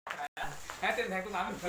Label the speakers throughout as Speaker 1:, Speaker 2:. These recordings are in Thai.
Speaker 1: แฮเต็มแทงตุ้งน้ำ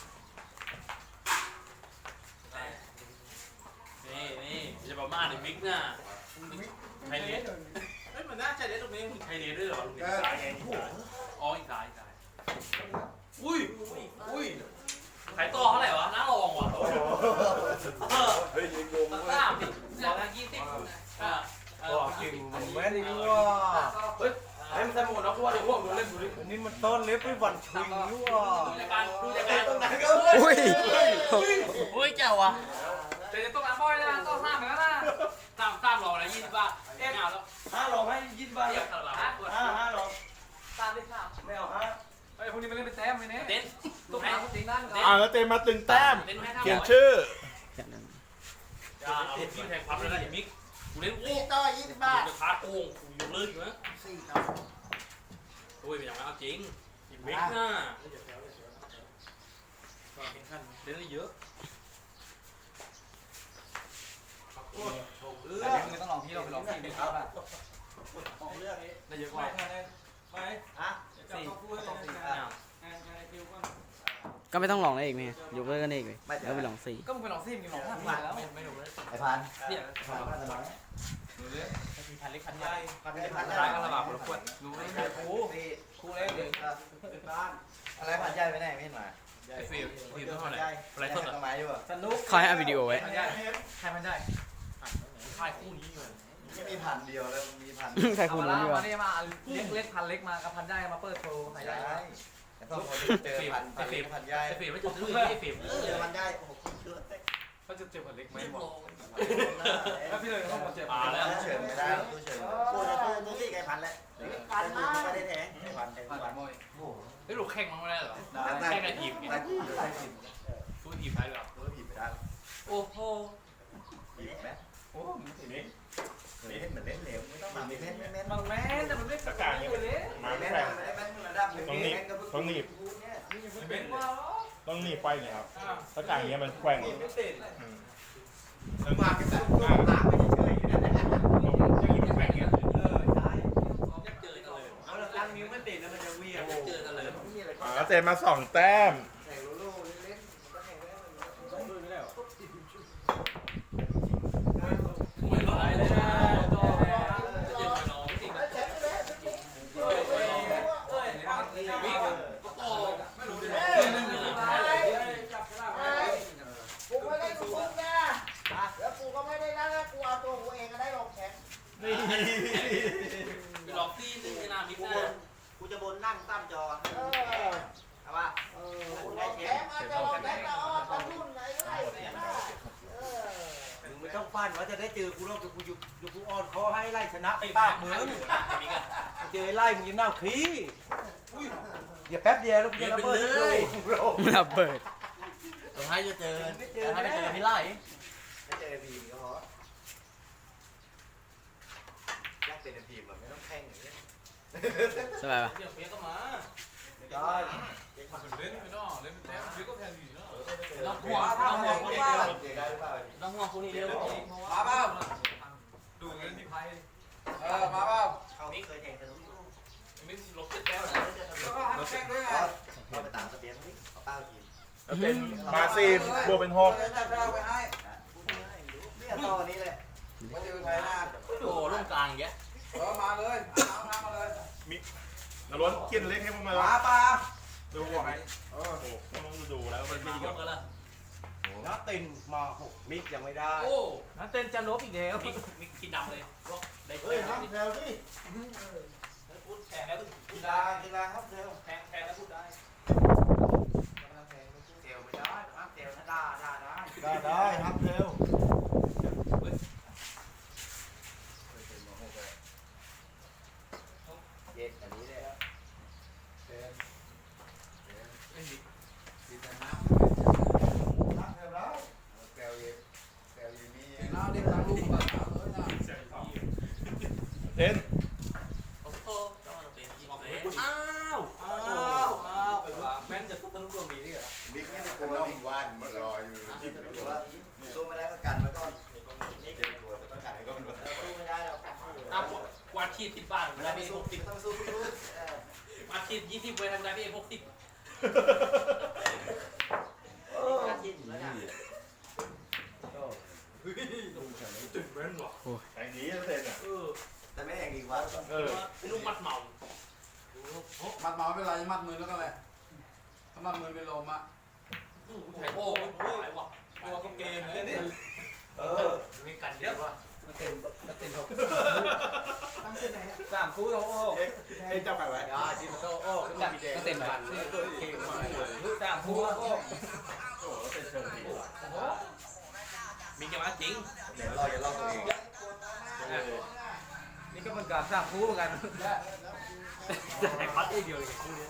Speaker 2: นี่จะประมาณในมิกน่ะไทยเลสเฮ้ยมันน่าใจเลสตรงนี้ไทยเลสด้วยเหรอลุงสายไงอ๋ออีกสายอุ้ยขายต่อเท่าไหร่วะน่าลองว่ะ
Speaker 3: เฮ้ยยิงลง
Speaker 2: ตั้ง3ดิ20
Speaker 3: จริงมันแม่นดีว่า
Speaker 2: เฮ้ยให้มันใส่หมวกนะเพราะว่าเดี๋ยวพวกมันเล่นดูดิ
Speaker 3: นี่มันต้นเล็บไม่วันชิงนี่ว่า
Speaker 2: ดูจากการตรงไหนก็
Speaker 4: อุ้ยเจ้าวะ
Speaker 1: แต่จะต้องน้ำบ่อยนะต้อง3เหมือนกันนะ
Speaker 2: 3รอแล้ว20 บาทเอ๊ะเอาแล้ว
Speaker 3: 5 หลอกให้20 บาท
Speaker 2: เดี๋ยว5
Speaker 3: 5 หลอก
Speaker 2: 3ได้3
Speaker 3: ไม่เอา
Speaker 1: ไอ้พวกนี้มันเล่นเป็นแต้มเลยเนี่ย
Speaker 2: เต้น
Speaker 1: ตุ้งน้ำจริงนั่น
Speaker 5: แล้วเต็มมาตึงแต้ม
Speaker 2: เต้นให้
Speaker 5: เขียนชื่อ
Speaker 2: อย่าเอาที่แทงพับเลยนะมิกกูเล่นโอ้
Speaker 4: ต่อ20 บาท
Speaker 2: จะท้าโกงกูอยู่เลยอยู่นะโอ้ยเป็นอย่างนั้นเอาจริงมิกน่ะเล่นได้เยอะ
Speaker 1: แต่เดี๋ยวมึงต้องลองพี่เราไปลองทีมดูครับได้เยอะกว่า
Speaker 4: ก็ไม่ต้องลองได้อีกไหมยกเลิกกันเองเลยแล้วไปลองสี่
Speaker 1: ก็มึงไปลองซีมมึงลอง5แล้วไม่ถูกเลย
Speaker 3: ไอ้พัน
Speaker 1: เนี่ย
Speaker 3: พันอะไร
Speaker 2: พันเล็กพันใหญ่
Speaker 3: พัน
Speaker 1: ร้ายกันระบาดคนละคนรู้ไหมครูเล่นเดี๋ยว
Speaker 3: อะไรพันใหญ่ไปไหนไม่เห็นมา
Speaker 2: ไอ้ฟิลเท่าไหร่อะไรสด
Speaker 3: ทำไมอยู่อ่ะ
Speaker 1: สนุก
Speaker 4: เขาให้เอาวิดีโอไว้
Speaker 1: มันได้ใครมันได้
Speaker 2: ค่ายคู่นี้อยู่
Speaker 3: ไม่มีพันเดียวแล้วมีพัน
Speaker 4: ใคร
Speaker 1: เอา
Speaker 4: คุณ
Speaker 1: มา
Speaker 4: รู้
Speaker 1: ล่า
Speaker 4: ดีวะ
Speaker 1: มาเนี่ยมาเล็กพันเล็กมากับพันได้มาเปิดโชว์ใครได้
Speaker 3: แต่พอเจอพันเล็กพันใหญ่
Speaker 2: ไอ้ฟิลไม่จะซื้อไอ้ฟิล
Speaker 3: เจอพันใหญ่โอ้โหเชื่อเต็ก
Speaker 1: เขาจะเจ็บพันเล็กไหมบอกแล้วพี่เลยต้องมาเจ็บ
Speaker 2: มาแล้ว
Speaker 3: เฉินไม่ได้ตู้เฉินตู้ที่ไก่พันแล้วพันไม่ได้แทงไก่พัน
Speaker 1: พันมวย
Speaker 2: ไอ้ลูกแข่งมันไม่ได้หรอแข่งกับทีมไงสู้ทีมได้หรอ
Speaker 3: รู้ผิดไปได้
Speaker 2: โอ้โห
Speaker 3: ผิดไหมโอ้มึงสินี่เล่นเหมือนเล่นเหลวไม่ต้องมาเล่นเล่น
Speaker 1: บางแม่แต่มันไม่ตะการอยู่เลย
Speaker 5: มาแข่งต้องหนีบต้องหนีบไปเนี่ยครับถ้ากลางอย่างเงี้ยมันแกว่ง
Speaker 1: ไม่ติด
Speaker 3: มากันแต่ตัวตาไม่เฉยๆนะ
Speaker 5: จะหนีบแกว่งเงี้ย
Speaker 2: เจอกันเลย
Speaker 3: เอาละตั้งนิ้วไม่ติดแล้วมันจะเวียน
Speaker 2: เจอกันเลย
Speaker 5: แล้วเต็มมา2 แต้ม
Speaker 3: แข่งโลโล่เล่นมันก็แข่งได้ต้องดูไม่ได้หรอ
Speaker 2: ไม่ร้ายเลยนะเจอกันน้องจริงวิ่งก็โตไม่รู้เลย
Speaker 4: กูไม่ได้ทุกคนนะแล้วกูก็ไม่ได้นั่นนะกูเอาตัวกูเองก็ได้ลงแข่ง
Speaker 3: นี่
Speaker 2: ไปหลอกตีนึงนามิดนะ
Speaker 3: กูจะบนนั่งตั้มจอเอาป่ะ
Speaker 4: ลงแข่งอาจจะลงแข่งก็อ้อตะลุ่นไหนก็ได้
Speaker 3: มึงไม่ต้องฟันว่าจะได้เจอกูรอบกูอยู่กูอ่อนคอให้ไล่ชนะไป
Speaker 2: ปา
Speaker 3: ปาก ก
Speaker 2: มื
Speaker 3: มึ
Speaker 2: อง มิกัน
Speaker 3: เจอไล่มึงยังน่าขี้อย่าแป๊บเดียวแล้วกูจะระเบิดเลย
Speaker 4: ระเบิด
Speaker 2: สุดท้ายจะเจอ
Speaker 3: ไม่เจอ
Speaker 2: ถ้าไม่เจอพี่ไล่
Speaker 3: ไม่เจอพีมก็พอยักเป็นพีมแบบไม่ต้องแข่งอย่างเงี้ย
Speaker 4: สบายปะ
Speaker 2: เดี๋ยวเพี้ยก็มา
Speaker 3: ได้
Speaker 1: เล่นไม่ได้เล่นเป็นแต้มเดี๋ยวก็แทนอยู่เนาะ
Speaker 2: ต้องห่วงต้องห่วงคนนี้เดียวต้องห่วงคนนี้เดียว
Speaker 1: มาเปล่าดูเงินที่ไพ่มาเปล่า
Speaker 3: เขาเคยแข่งกันทุก
Speaker 2: มิดลบเจ็ดแต้ม
Speaker 1: แล้วก็หัดแข่งด้วยไง
Speaker 3: เราไปตามทะเบียนนี่เอาเป้าทีม
Speaker 5: แล้วเต็มมา10บวกเป็น6
Speaker 1: จับเราไปให้
Speaker 3: เนี่ยต่อนี้เลย
Speaker 1: มาเจอไทยหน้า
Speaker 2: โอ้ร่วงกลางอย่างเงี้ย
Speaker 1: มาเลยน้ำมาเลย
Speaker 5: นรสเขียนเล็กให้พวกมัน
Speaker 1: มาปลา
Speaker 5: ดูบอกให้โอ้โหต้องดูแล้วมัน
Speaker 2: มา
Speaker 5: ดี
Speaker 2: ร่
Speaker 5: กั
Speaker 2: ว
Speaker 5: บ
Speaker 2: งกันละ
Speaker 3: นักตินมา6มิกยังไม่ได้
Speaker 2: โอ้
Speaker 1: นั่นเต้นจะลบอีกแล้ว
Speaker 2: มิกกินดำเลยได้
Speaker 3: เฮ้ยครับเร็วดิ
Speaker 2: พูดแทงแล้ว
Speaker 3: กีฬาครับเร็ว
Speaker 2: แทงแล้วพูดได้
Speaker 3: เซลไม่ได้ครับเซลถ้าได้ครับเร็วเย็ดอันนี้เลย
Speaker 1: เราเด็กทางลูกมาถามเลยนะ
Speaker 5: เต้น
Speaker 2: โอ้โหต้องมาเป็นทีมเลยอ้าวไปว่าแม่นจะต้องต้องรวมมีนี่เหรอ
Speaker 6: บิ๊กนี่กูว่าบิ๊กวันมารออยู่ที่
Speaker 3: ถือว่าสู้ไม่ได้ก็กันแล้วก็นี่เก็บตัวก็กันก็มันสู้ไม่ได้แล้ว
Speaker 2: อ้าวกวาดขีด10 บาท
Speaker 3: เว
Speaker 2: เว
Speaker 3: ลา
Speaker 2: ลา
Speaker 3: ไป
Speaker 2: พี่
Speaker 3: สู้
Speaker 2: 60
Speaker 3: ต้องสู้
Speaker 2: กวาดขีด20เวลาพี่60 ตื่นเต้นว่ะ
Speaker 5: ไอ้นี้เต้นอ่ะ
Speaker 3: แต่ไม่แรงอีกวะ
Speaker 2: ลูกมัดเมา
Speaker 1: มัดเมาเป็นไรมัดมือแล้วก็แหละถ้ามัดมือเป็นลมอ่ะ
Speaker 2: ไอ้โอ้หายว่ะตัวก็เกมเลยนี่มีกันเยอะว่ะ
Speaker 1: สามคู่โอ้โห
Speaker 3: ไอ้เจ้าไก่ไว้
Speaker 1: จิมโตโอ้ก็เต็มกันสามคู่โอ้
Speaker 5: โอ้เป็นเชิงดี
Speaker 2: มีแกมาจริง
Speaker 3: เดี๋ยวเราจะลองตัวเอง
Speaker 1: นี่ก็เป็นการสามคู่เหมือนกัน
Speaker 2: แต่พัดเดียวเลยคู่นี้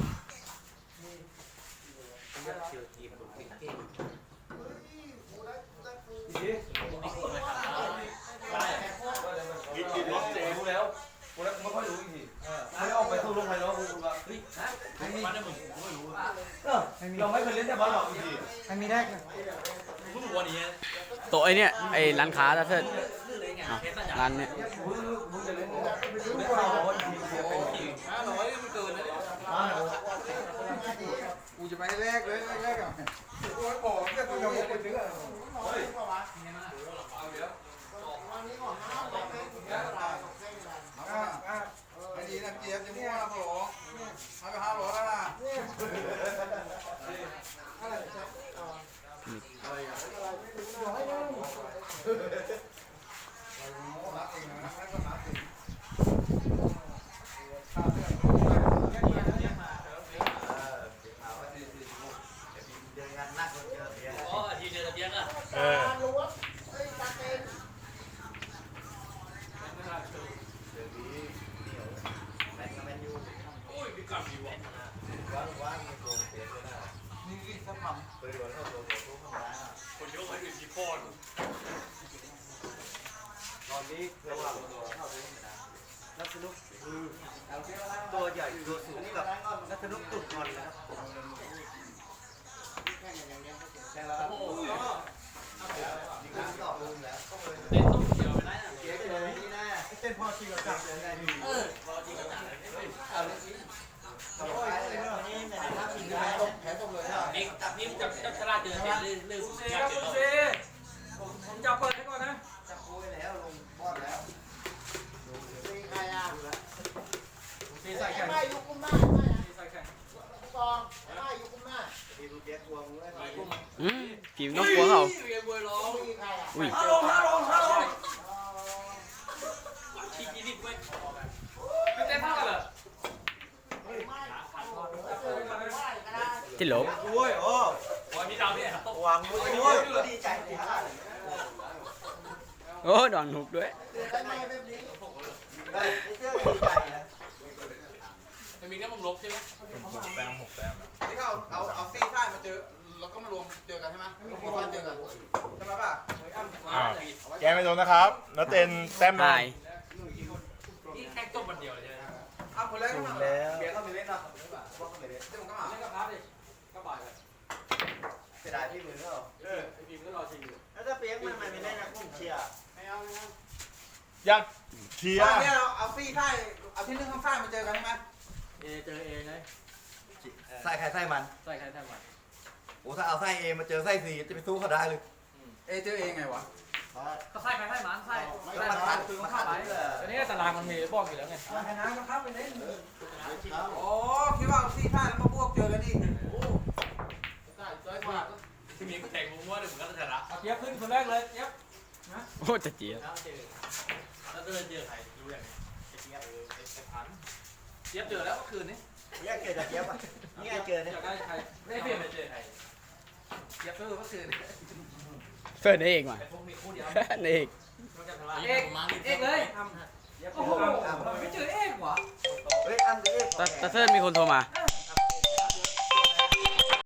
Speaker 5: กินรสเจ
Speaker 1: รู้แล้วกูแล้วไม่ค่อยรู้อีกทีไม่ออกไปสู้ลงไปแล้วกูแบบเฮ้ยนะ
Speaker 2: มันได้เหมือนกูไม่รู้
Speaker 1: เราไม่เคยเล่นแต่บอลหรอกอีกที
Speaker 4: ไม่มีแรก
Speaker 2: กูรู้วันนี้
Speaker 7: ตัวไอเนี่ยไอร้านค้าตะเทิด
Speaker 2: เคสสัญญา
Speaker 7: ร้านเนี่ย
Speaker 1: มึงจะเล่นไม่รู้เราอีกทีเดียวเป็นที
Speaker 2: 500มันเกินแล้วเนี่ย
Speaker 1: กูจะไปแรกเลยแรกอ่ะกูไม่บอกแค่กูจะบอกไปถึงอ่ะเฮ้ยเอาเดี๋ยวไอ้ดีนะเจี๊ยบจะมั่วนะผมให้ไป500แล้วนะรักเองนะรักก็รักเอง
Speaker 3: เดินงานนักคนเจอเสีย
Speaker 2: อ๋อทีเดียวจะเบี้ยอ่ะ
Speaker 5: เออ
Speaker 3: เดี๋ยวนี้เหนียวแมนกับแมนยู
Speaker 2: โอ้ยมีกลับอยู่ว่ะ
Speaker 3: ว่างมีโกงเสียเลยนะ
Speaker 1: นี่สักคำ
Speaker 3: เปิดวันเข้าตัวตู้ข้างล่าง
Speaker 2: คนยกให้ดูทีโฟน
Speaker 3: ตอนนี้ระหว่างเข้าตัวไม่ได้นักสนุกตัวใหญ่ตัวสูงกับนักสนุกตุ่นงอนนะครับแข่งแล้วครับ
Speaker 2: โอ้ย
Speaker 3: นี่ก็ต่อลุงแล้ว
Speaker 2: เต้นต้องเดียวไปได้นะ
Speaker 3: เสียใจเลยนี่นะเต้นพอจริงกับจับเลยได้ดี
Speaker 2: พอจริงกันนะ
Speaker 3: โอ้ยนี่เนี่ยถ้ามี
Speaker 1: แผลตกเลยอ่ะ
Speaker 2: นี่นี่จับชราเจอเต้นเรื่องอยากเจอ
Speaker 1: ผมจะเปิดให้ก่อนนะ
Speaker 3: จับโอ้ยแล้วลงบอดแล้ว
Speaker 1: ใส่แข่ง
Speaker 4: ไม่ยุกุมหน้า
Speaker 1: ใส่แข่ง
Speaker 4: กองไม่ยุกุมหน้า
Speaker 3: ทีรู้เจ๊ควงเลย
Speaker 7: กิมต้องกลัวเขา
Speaker 2: เรียนมวยร้อง
Speaker 4: มีใครอ่ะ
Speaker 7: อุ้ย
Speaker 1: ฮัลโหลฮัลโหล
Speaker 2: ขี้จีนิดเว้ยไม่เต้นเท่ากันเหรอ
Speaker 7: ที่หลบ
Speaker 3: โอ้ยโอ้
Speaker 2: โอ้ยมีดาวพี่ครับ
Speaker 3: วางมือโอ้ยดีใจดีฮะ
Speaker 7: โอ้ดอนหุกด้วย
Speaker 4: ได้ไหมแบบนี้
Speaker 3: ได้เชื่อดีใจนะ
Speaker 2: มันมีแค่มุมลบใช่ไหม
Speaker 5: 6 แต้ม
Speaker 1: ที่เขาเอาซี่ท่ายมาเจอแล้วก็มารวมเจอกันใช่ไหมพอเจอกันใช่ไหมป่ะ
Speaker 5: แกไม่โดนนะครับแล้วเต้นแต้ม
Speaker 7: ตาย
Speaker 2: นี่แค่จบวันเดียวเลยใช่ไหม
Speaker 1: อ้าวคนแรกก็มา
Speaker 3: แล้ว
Speaker 1: เบียร์เข้าไปเล่นเนาะ
Speaker 3: ว่าเขาไม่ได้
Speaker 1: เดี๋ยวผมก็มาเล่นกับพาร์ทดิก็บ่ายเลย
Speaker 3: เสียดายที่มือเขา
Speaker 1: ไอ้บีมก็รอชิงอยู่
Speaker 3: แล้วถ้าเปียกมันไม่ได้นะกุ้งเชียร์
Speaker 1: ไม่เอาไม่เอา
Speaker 5: ยักเชีย
Speaker 1: ตอน
Speaker 5: ร์
Speaker 1: นี้เราเอาซี่ท่ายเอาที่นึ่งข้างซ้ายมาเจอกันใช่ไหม
Speaker 2: เจอเอไง
Speaker 3: ไส้ใครไส้มัน
Speaker 2: ใส่ใครใส่มัน
Speaker 3: โอ้ถ้าเอาไส้เอมาเจอไส้ซีจะไปสู้เขาได้เลย
Speaker 1: เจอเองไงวะ
Speaker 2: ก็ใส่ใครใส่มันใส่
Speaker 3: ไม่ทันคือเขาเข้าไปเลย
Speaker 2: อันนี้ตารางมันมีบอกอยู่แล้วไง
Speaker 1: ชนะก็ครับไปเล่นโอ้คิดว่าเอาซี่ท่ายแล้วมาบวกเจอกันอีกโอ้ได้จ้อยกว่า
Speaker 2: ที่มีก็แข่งมุ้งว่าเดี๋ยวผมก็จะชนะ
Speaker 1: เจี๊ยบขึ้นคนแรกเลยเจี๊ยบ
Speaker 7: โอ้จะเจี๊ยบ
Speaker 2: แล้วเจอแล้วจะเจอใครรู้อย่างนี้เจี๊ยบพันเจี๊ยบเจอแล้วเมื่อคืนนี้
Speaker 3: เนี่ยเกิดจากเจี๊ยบอ่ะนี่ไงเจอเนี่ย
Speaker 1: อยากได้ใคร
Speaker 2: ไม่เปลี่ยนไปเจอใคร
Speaker 1: เจี๊ยบเมื่อคืน
Speaker 7: เฟิร์นเอกมา
Speaker 2: ไอ้พวกมีคู่เดียว
Speaker 7: เอก
Speaker 2: เอกเอกเลย
Speaker 1: โอ้โหไม่เจอเอกวะ
Speaker 3: เฮ้ยอ้ำกับเอ๊ะ
Speaker 7: ตะเทิดมีคนโทรมา
Speaker 2: ไ